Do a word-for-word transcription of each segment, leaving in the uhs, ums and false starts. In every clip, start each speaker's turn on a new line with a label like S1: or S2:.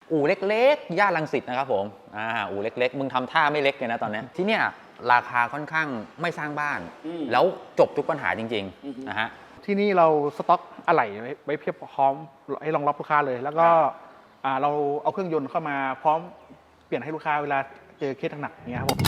S1: อู่เล็กๆย่านรังสิตนะครับผมอ่าอู่เล็กๆมึงทำท่าไม่เล็กเลยนะตอนนี้ที่เนี่ยราคาค่อนข้างไม่สร้างบ้านแล้วจบทุกปัญหาจริงๆนะฮะ
S2: ที่นี่เราสต็อกอะไหล่ไว้เพียบพร้อมให้รองรับลูกค้าเลยแล้วก็เราเอาเครื่องยนต์เข้ามาพร้อมเปลี่ยนให้ลูกค้าเวลาเจอเคสหนักๆอย่างเงี้ยครับผม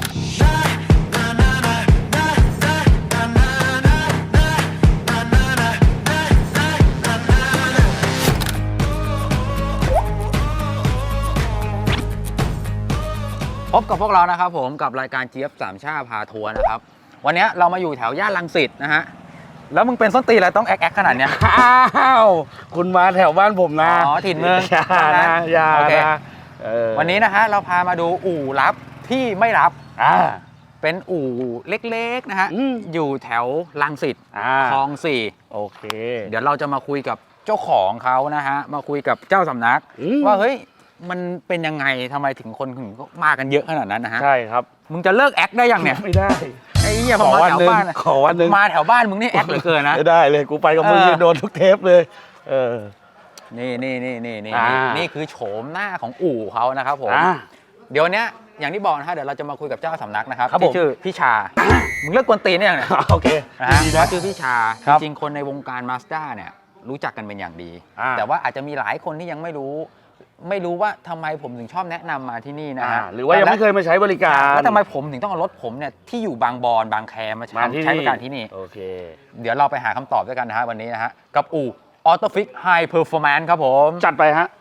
S1: พบกับพวกเรานะครับผมกับรายการเจี๊ยบสามชาพาทัวร์นะครับวันนี้เรามาอยู่แถวย่านรังสิตนะฮะแล้วมึงเป็นส้นตีนอะไรต้องแอ๊กแอ๊กขนาดเนี้ย
S3: อ้าวคุณมาแถวบ้านผมนะ
S1: อ๋อถิ่นเมือง
S3: อย่านะอย่านะ
S1: วันนี้นะฮะเราพามาดูอู่ลับที่ไม่รับอ่าเป็นอู่เล็กๆนะฮะอยู่แถวรังสิตคลองสี่
S3: โอเค
S1: เดี๋ยวเราจะมาคุยกับเจ้าของเขานะฮะมาคุยกับเจ้าสำนักว่าเฮ้ยมันเป็นยังไงทำไมถึงคนถึงมากันเยอะขนาดนั้นนะฮะ
S3: ใช่ครับ
S1: มึงจะเลิกแอคได้ยังเนี่ย
S3: ไม่ได้
S1: ไอ้เหี้ยพอมาแถวบ้าน
S3: ขอวันนึง
S1: มาแถวบ้านมึงนี่แอคเหลือเกินนะ
S3: ไม่ได้เลยกูไปกับมึงโดนทุกเทปเลยเออ
S1: นี่นี่นี่นี่นี่นี่คือโฉมหน้าของอู่เขานะครับผมเดี๋ยวนี้อย่างที่บอกนะฮะเดี๋ยวเราจะมาคุยกับเจ้าสำนักนะครับที่ชื่อพี่ชามึงเลิกกวนตีนได้ยังเนี่ย
S3: โอเค
S1: นะฮะเขาชื่อพี่ชาจริงๆคนในวงการมาสด้าเนี่ยรู้จักกันเป็นอย่างดีแต่ว่าอาจจะมีหลายคนที่ยังไม่รู้ไม่รู้ว่าทำไมผมถึงชอบแนะนำมาที่นี่นะฮะ
S3: หรือว่ายังไม่เคยมาใช้บริการ
S1: แล้วทำไมผมถึงต้องเอารถผมเนี่ยที่อยู่บางบอนบางแคมาใช้บริการที่นี่
S3: โอเค
S1: เดี๋ยวเราไปหาคำตอบด้วยกันนะฮะวันนี้นะฮะกับอู่ Autofix High Performance ครับผม
S3: จัดไปฮะ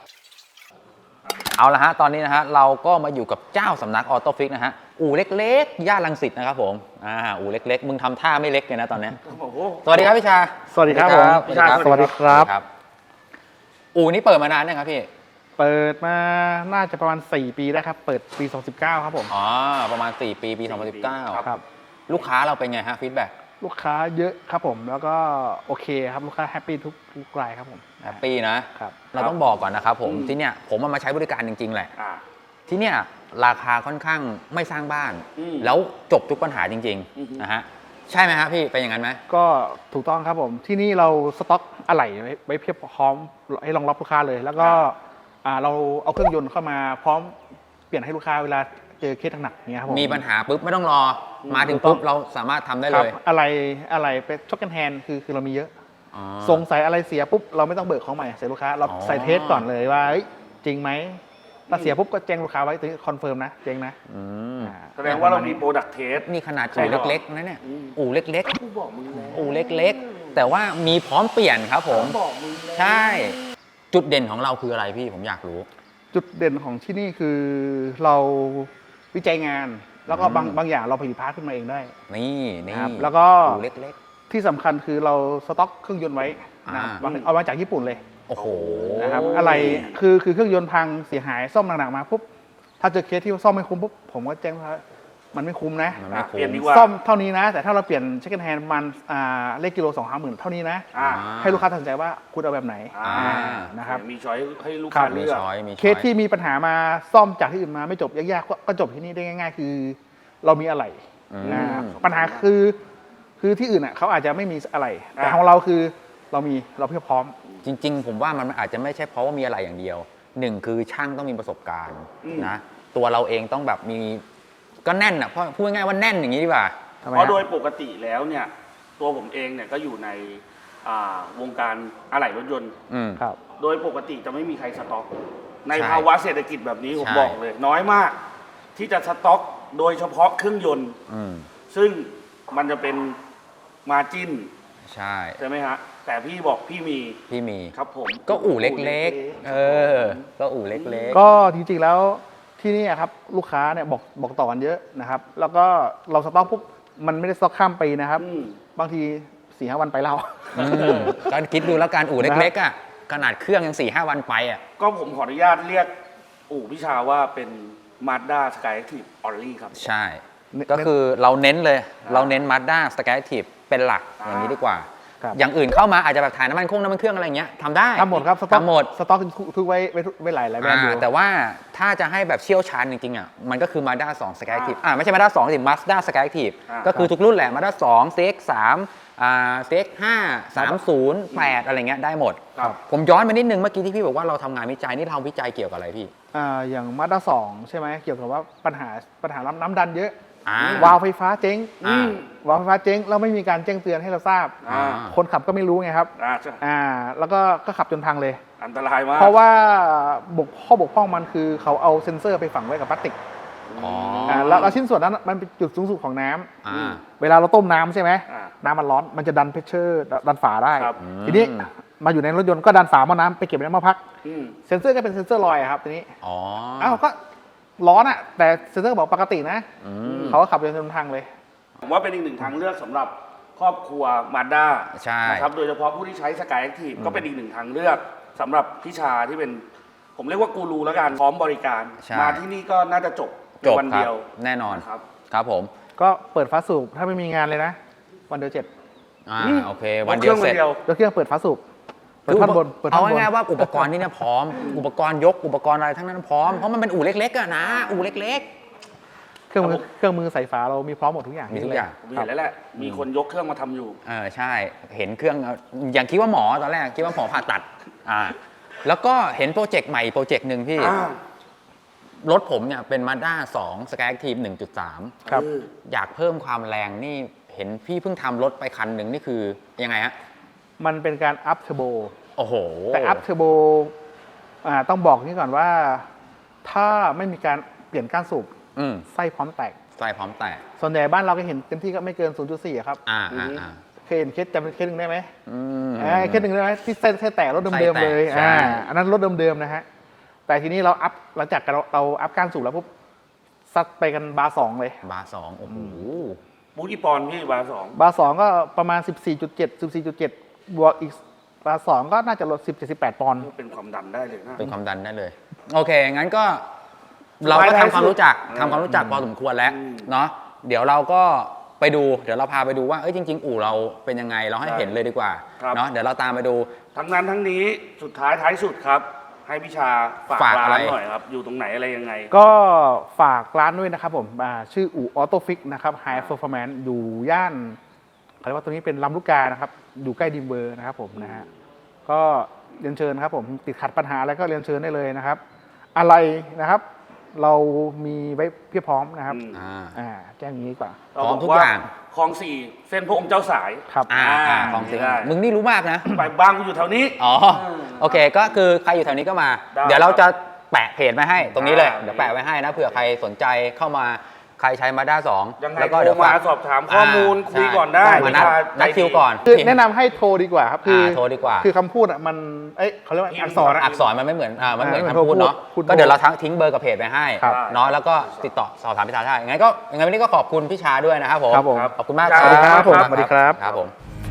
S1: เอาละฮะตอนนี้นะฮะเราก็มาอยู่กับเจ้าสำนัก Autofix นะฮะอู่เล็กๆย่านรังสิตนะครับผมอ่าอู่เล็กๆมึงทำท่าไม่เล็กเลยนะตอนนี้สวัสดีครับพี่ชา
S3: สวัสดีครับผม
S2: พี่ชาสวัสดีครับ
S1: อู่นี้เปิดมานานยังครับพี่
S2: เปิดมาน่าจะประมาณสี่ปีได้ครับเปิดปีสองพันสิบเก้าครับผม
S1: อ๋อประมาณสี่ปีปีสองพันสิบเก้า
S2: ครับ
S1: ลูกค้าเราเป็นไงฮะฟีดแบ็ก
S2: ลูกค้าเยอะครับผมแล้วก็โอเคครับลูกค้าแฮปปี้ทุกทุกรายครับผม
S1: แฮปปี้นะครับเราต้องบอกก่อนนะครับผมที่เนี่ยผมมาใช้บริการจริงๆแหละที่เนี่ยราคาค่อนข้างไม่สร้างบ้านแล้วจบทุกปัญหาจริงๆนะฮะใช่ไหมครับพี่เป็นอย่างนั้นไหม
S2: ก็ถูกต้องครับผมที่นี่เราสต็อกอะไหล่ไว้เพียบพร้อมให้รองรับลูกค้าเลยแล้วก็เราเอาเครื่องยนต์เข้ามาพร้อมเปลี่ยนให้ลูกค้าเวลาเจอเคสหนักๆเงี้ยครับผม
S1: มีปัญหาปุ๊บไม่ต้องรอมาถึงปุ๊บเราสามารถทำได้เลย
S2: อะไรอะไรเป็นช็อคแอนด์แฮนด์คือคือเรามีเยอะสงสัยอะไรเสียปุ๊บเราไม่ต้องเบิกของใหม่ใส่ลูกค้าเราใส่เทสก่อนเลยว่าจริงไหมถ้าเสียปุ๊บก็แจ้งลูกค้าไว้ถึงคอนเฟิร์มนะเจ๊งนะ
S3: แสดงว่าเรามีโปรดักต์เทส
S1: นี่ขนาดอู่เล็กๆนะเนี่ยอู่เล็กๆอู่เล็กๆแต่ว่ามีพร้อมเปลี่ยนครับผมใช่จุดเด่นของเราคืออะไรพี่ผมอยากรู้
S2: จุดเด่นของที่นี่คือเราวิจัยงานแล้วก็บางบางอย่างเราผลิตพาร์ทขึ้นมาเองได้
S1: นี่นี่
S2: แล้วก็
S1: เล็ก
S2: ๆที่สำคัญคือเราสต็อกเครื่องยนต์ไว้นะเอามาจากญี่ปุ่นเลย
S1: โอ้โห
S2: นะครับอะไรคือคือเครื่องยนต์พังเสียหายซ่อมหนักๆมาปุ๊บถ้าเจอเคสที่ซ่อมไม่คุ้มปุ๊บผมก็แจ้งว่ามันไม่คุ้มนะ
S3: เปลี่ยนดีกว่า
S2: ซ่อมเท่านี้นะแต่ถ้าเราเปลี่ยนเช็คแอนด์แฮนด์มันเลขกิโลสองห้าหมื่นเท่านี้นะให้ลูกค้าตัดสินใจว่าคุณเอาแบบไหนนะครับ
S3: มีช้อยให้ลูกค้าเลือก
S2: เคสที่มีปัญหามาซ่อมจากที่อื่นมาไม่จบยากๆก็จบที่นี่ได้ง่ายๆคือเรามีอะไรปัญหาคือคือที่อื่นอ่ะเขาอาจจะไม่มีอะไรแต่ของเราคือเรามีเราเพียบพร้อม
S1: จริงๆผมว่ามันอาจจะไม่ใช่เพราะว่ามีอะไรอย่างเดียวหนึ่งคือช่างต้องมีประสบการณ์นะตัวเราเองต้องแบบมีก็แน่นอ่ะเพราะพูดง่ายๆว่าแน่นอย่างนี้ดีกว่า
S3: เพราะโดยปกติแล้วเนี่ยตัวผมเองเนี่ยก็อยู่ในวงการอะไหล่รถยนต์โดยปกติจะไม่มีใครสต็อกในภาวะเศรษฐกิจแบบนี้ผมบอกเลยน้อยมากที่จะสต็อกโดยเฉพาะเครื่องยนต์ซึ่งมันจะเป็นมาร์จิ้น
S1: ใช่
S3: ใช่ไหมฮะแต่พี่บอกพี่มี
S1: พี่มี
S3: ครับผม
S1: ก็อู่เล็กๆเออก็อู่เล็ก
S2: ๆก็จริงๆแล้วที่นี่ครับลูกค้าเนี่ยบอกบอกต่อกันเยอะนะครับแล้วก็เราสต็อกปุ๊บมันไม่ได้สต็อกข้ามปีนะครับบางทีสี่ห้าวันไปแล้ว
S1: ก็คิดดูแล้วการอู่เล็กๆอ่ะขนาดเครื่องยังสี่ห้าวันไปอ่ะ
S3: ก็ผมขออนุญาตเรียกอู่พิชาว่าเป็น Mazda Skyactiv Only ครับ
S1: ใช่ก็คือเราเน้นเลยเราเน้น Mazda Skyactiv เป็นหลักอย่างนี้ดีกว่าอย่างอื่นเข้ามาอาจจะแบบถ่ายน้ำมันเครื่องน้ำมันเครื่องอะไรเงี้ยทำได้
S2: ทำหมดครับสต็อกหมดสต็อกทุกไว้ไว้หลายหลายแบรนด์อยู่
S1: แต่ว่าถ้าจะให้แบบเชี่ยวชาญจริงๆอ่ะมันก็คือ Mazda สอง Skyactiv อ่าไม่ใช่ Mazda สองสิ Mazda Skyactiv ก็คือทุกรุ่นแหละ Mazda สอง ซี เอ็กซ์ สามอ่า ซี เอ็กซ์ ห้า สามศูนย์ แปด อะไรเงี้ยได้หมด
S3: ครับ
S1: ผมย้อนไปนิดนึงเมื่อกี้ที่พี่บอกว่าเราทำงานวิจัยนี่เราวิจัยเกี่ยวกับอะไรพี่
S2: อ่าอย่างมาด้าสองใช่ไหมเกี่ยวกับว่าปัญหาปัญหาน้ำดันเยอะ
S1: อ่า
S2: วาล์วไฟฟ้าเจ๊ง
S1: อ่า
S2: วาล์วไฟฟ้าเจ๊งแล้วไม่มีการแจ้งเตือนให้เราทราบ
S3: อ่า
S2: คนขับก็ไม่รู้ไงครับ
S3: อ่าใช่
S2: อ่าแล้วก็ก็ขับจนพังเลย
S3: อันตรายมาก
S2: เพราะว่าบกข้อบกพร่องมันคือเขาเอาเซ็นเซอร์ไปฝังไว้กับพลาสติก
S1: อ๋อ
S2: อ่าแล้วแล้วชิ้นส่วนนั้นมันเป็นจุดสูงสุดของน้ำ
S1: อ่า
S2: เวลาเราต้มน้ำใช่ไหม
S3: อ่า
S2: น้ำมันร้อนมันจะดันเพชเชอร์ดันฝาได้
S3: ครับ
S2: ทีนี้มาอยู่ในรถยนต์ก็ดันฝาหม้อน้ำไปเก็บไว้ในหม้อพัก
S3: อืม
S2: เซ็นเซอร์ก็เป็นเซ็นเซอร์ลอยอะครับทีนี้
S1: อ๋อ
S2: อ้าวก็ร้อนอะแต่เซ็นเซอร์บอกปกตินะ
S1: อืม
S2: เขาก็ขับจนทางเลย
S3: ผมว่าเป็นอีกหนึ่งทางเลือกสำหรับครอบครัวมาด้า
S1: ใช่
S3: นะครับโดยเฉพาะผู้ที่ใช้สกายแอคทีฟก็เป็นอีกหนึ่งทางเลือกสำหรับพี่ชาที่เป็น ผมเรียกว่ากูรูแล้วกันพร้อมบริการ
S1: ใช่
S3: มาที่นี่ก็น่าจะจบใน
S1: จบ
S3: วัน
S1: ครั
S3: เดี
S1: บ
S3: ยว
S1: แน่นอน
S3: ครับ
S1: ครับผม
S2: ก็เปิดฟ้าสูบถ้าไม่มีงานเลยนะ วันเดียวเจ็ด
S1: อ่า
S3: อืม
S1: โอเค วันเดียวเสร็จ
S3: ครื่อง
S2: ยกเครื่องเปิดฟ้าสูบเปิด
S1: คือ
S2: ท่อนบนเปิดท่
S1: เอา
S2: อนบน
S1: ง่ายๆว่าอุปกรณ์นี่เนี่ยพร้อม อุปกรณ์ยกอุปกรณ์อะไรทั้งนั้นพร้อม เพราะมันเป็นอู่เล็กๆอะนะ อู่เล็ก
S2: เครื่องมือเครื่องมือใส่ฝาเรามีพร้อมหมดทุกอย่าง
S1: มีทุกอย่าง
S3: ผมเห็นแล้วแหละ มีคนยกเครื่องมาทำอยู่
S1: ๆ เออใช่ เห็นเครื่องอย่างคิดว่าหมอตอนแรกคิดว่าหมอผ่าตัด อ่า แล้วก็เห็นโปรเจกต์ใหม่โปรเจกต์หนึ่งพี่
S3: อ่า
S1: รถผมเนี่ยเป็น Mazda สอง Skyactiv หนึ่งจุดสาม
S2: ครับ
S3: เออ
S1: อยากเพิ่มความแรงนี่เห็นพี่เพิ่งทำรถไปคันหนึ่งนี่คือยังไงฮะ
S2: มันเป็นการอัพเทอร์โบ
S1: โอ้โห
S2: แต่อัพเทอร์โบอ่าต้องบอกนี่ก่อนว่า ถ้าไม่มีการเปลี่ยนก้านสูบ
S1: อืม
S2: ไส้พร้อมแตก
S1: ใส่พร้อมแตก
S2: ส่วนใหญ่บ้านเราก็เห็นเต็มที่ก็ไม่เกิน ศูนย์จุดสี่อะครับ
S1: อ่าอ่าอ่า
S2: เคยเห็นเคสจำเคสหนึ่งได้ไหม
S1: อืม
S2: อ่าเคสหนึ่งได้ไหมที่เส้นแค่แตกรถเดิมๆเลย
S1: ไส้แตกใช่
S2: อ่าอันนั้นรถเดิมๆนะฮะแต่ทีนี้เราอัพหลังจากเราเราอัพก้านสูบแล้วปุ๊บซัดไปกันบาร์สองเลย
S1: บาร์สองโอ้โห
S3: บูกี่ปอนด์พี่บาร์สอง
S2: บาร์สองก็ประมาณ สิบสี่จุดเจ็ด สิบสี่จุดเจ็ด บวกอีกบาร์สองก็น่าจะลด สิบ เจ็ดสิบแปด ปอนด์
S3: เป็นความดันได้เลยนะ
S1: เป็นความดันได้เลย โอเค งั้นก็เราก็ทำความรู้จักทำความรู้จักพอสมควรแล้ว
S3: อืม
S1: เนาะเดี๋ยวเราก็ไปดู เดี๋ยวเราพาไปดูว่าเอ้ยจริง ๆ อู่เราเป็นยังไงเราให้
S3: ใช่
S1: เห็นเลยดีกว่า
S3: ครับ
S1: เนาะเดี๋ยวเราตามไปดู
S3: ทั้งนั้นทั้งนี้สุดท้ายท้ายสุดครับ ให้พี่ชาฝาก
S1: ฝาก
S3: ร้า
S1: อะไร
S3: นหน่อยครับ อยู่ตรงไหนอะไรยังไง
S2: ก็ฝากร้านด้วยนะครับผมอ่าชื่ออู่ออโต้ฟิกนะครับไฮเ e อร์ฟอร์แมนซ์อยู่ย่านเขาเรียกว่าตรงนี้เป็นลำลูกกานะครับอยู่ใกล้ดิมเบอร์นะครับผมนะฮะก็เรียนเชิญครับผมติดขัดปัญหาอะไรก็เรียนเชิญได้เลยนะครับ อะไรนะครับ เรามีไว้เพียบพร้อมนะครับ
S3: อืม
S1: อ่า
S2: อ่าแจ้งอย่างนี้ดีกว่า
S1: พร้อมทุกอย่าง
S3: คลองสี่เส้นพระองค์เจ้าสาย
S2: ครับ
S1: อ่าอ่า
S3: อ่า
S1: ของจริง
S3: ได้
S1: มึงนี่รู้มากนะ
S3: ไปบ้างกูอยู่แถวนี้
S1: อ๋อ โอเค ก็คือใครอยู่แถวนี้ก็มา
S3: ได้
S1: เดี๋ยวเราจะแปะเพจมาให้ตรงนี้เลย
S3: ได้
S1: เดี๋ยวแปะไว้ให้นะเผื่อใครสนใจเข้ามาใครใช้มาด้าสอง
S3: ยังไง
S1: แล้วก็
S3: โท
S1: เดี๋
S3: ร
S1: ยว
S3: มา
S1: ฝาก
S3: สอบถามข้อมูล
S1: า
S3: คุย
S1: ใช่
S3: ก่อนได้
S1: มานัด
S3: พี่ชา
S1: นัด
S3: ใจ
S1: คิวก่อน
S2: คือแนะนำให้โทรดีกว่าครับคือ
S1: อ่าโทรดีกว่า
S2: คือคำพูดอ่ะมันเอ้ยเขาเรียกว่าอักษรอะ
S1: อักษรมันไม่เหมือนอ่ามันเหมือน
S2: อ่า
S1: คำพูดเนาะ
S2: พูดพูด
S1: ก็เดี๋ยวเราทั้งทิ้งเบอร์กับเพจไปให้
S2: ครับ
S1: เนาะแล้วก็ติดต่อสอบถามพี่ชาได้ยังไงก็ยังไงวันนี้ก็ขอบคุณพี่ชาด้วยนะครับผม
S2: ครับผม
S1: ขอบคุณมาก
S2: สวัสดีครับผม
S1: ขอณ
S2: สวัสดีครับ
S1: ครับผม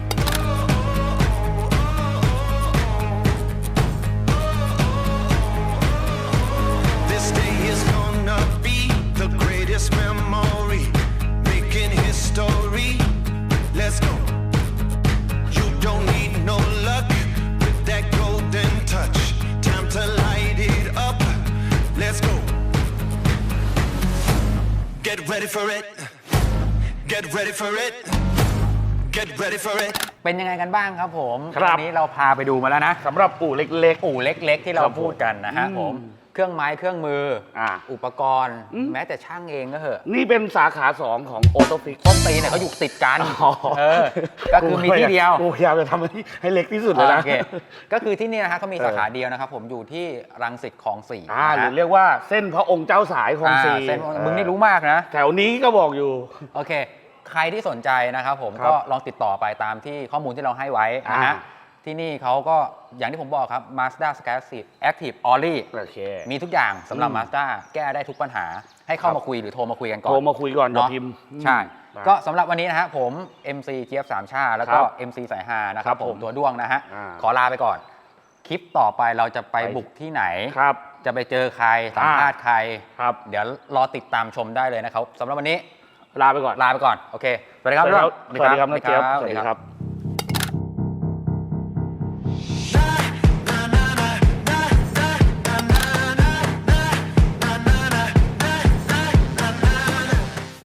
S4: This day is gonna be the greatest memory, making history. Let's go. You don't need no luck with that golden touch. Time to light it up. Let's go. Get ready for it. Get ready for it. Get ready for it.
S1: เป็นยังไงกันบ้างครับผม
S3: ครับ
S1: วันนี้เราพาไปดูมาแล้วนะ
S3: สำหรับอู่เล็ก
S1: อู่เล็กๆ ที่เรา
S3: ครับผม
S1: พูดกันนะฮะผมเครื่องไม้เครื่องมืออา อุปกรณ์
S3: อืม
S1: แม้แต่ช่างเองก็เหอะ
S3: ๆ นี่เป็นสาขาสองของโอโตฟิก
S1: ต้นตีเนี่ยเขาอยู่ติดกัน
S3: อ๋อ
S1: เออก็คือมีที่เดียว
S3: กูพยายามจะทำให้ให้เล็กที่สุดเลยนะ
S1: โอเคก็คือที่นี่นะฮะเขามีสาขาเดียวนะครับผมอยู่ที่รังสิตคลองสี่
S3: อ่าห
S1: นะ
S3: รื
S1: ฮะ
S3: อเรียกว่าเส้นพระองค์เจ้าสายของ
S1: อ่า
S3: สี
S1: เส้นมึงนี่รู้มากนะ
S3: แถวนี้ก็บอกอยู่
S1: โอเค ใครที่สนใจนะครับผม
S3: ครับ
S1: ก็ลองติดต่อไปตามที่ข้อมูลที่เราให้ไว้นะฮะ
S3: อ่า
S1: ที่นี่เขาก็อย่างที่ผมบอกครับ Mazda Skyactiv Active Orly
S3: โอเค
S1: มีทุกอย่างสำหรับ
S3: อืม
S1: Mazda แก้ได้ทุกปัญหา ให้เข้า
S3: ครับ
S1: มาคุยหรือโทรมาคุยกันก่อน
S3: โทรมาคุยก่อนอย่า
S1: เนาะ
S3: พิมพ์
S1: ใช่
S3: อืม
S1: ก็สำหรับวันนี้นะฮะผม เอ็ม ซี เจี๊ยบสามชาแล้วก็
S3: ครับ
S1: เอ็ม ซี สายฮานะค
S3: ครั
S1: รับบ ผ
S3: ผม ม
S1: ตัวด้วงนะฮะ
S3: อ่า
S1: ขอลาไปก่อน คลิปต่อไปเราจะไป
S3: ไป
S1: บุกที่ไหน
S3: ครับ
S1: จะไปเจอใครสัมภาษณ์ใคร
S3: ครับ
S1: เดี๋ยวรอติดตามชมได้เลยนะครับสำหรับวันนี้
S3: ลาไปก่อน
S1: ลาไปก่อน โอเค สวัสดีครับ
S3: สวัสดีครับ
S1: สวัสดีครับ
S3: สวัสดีครับ
S1: สวัสดีครับ
S3: สวัสดีครับ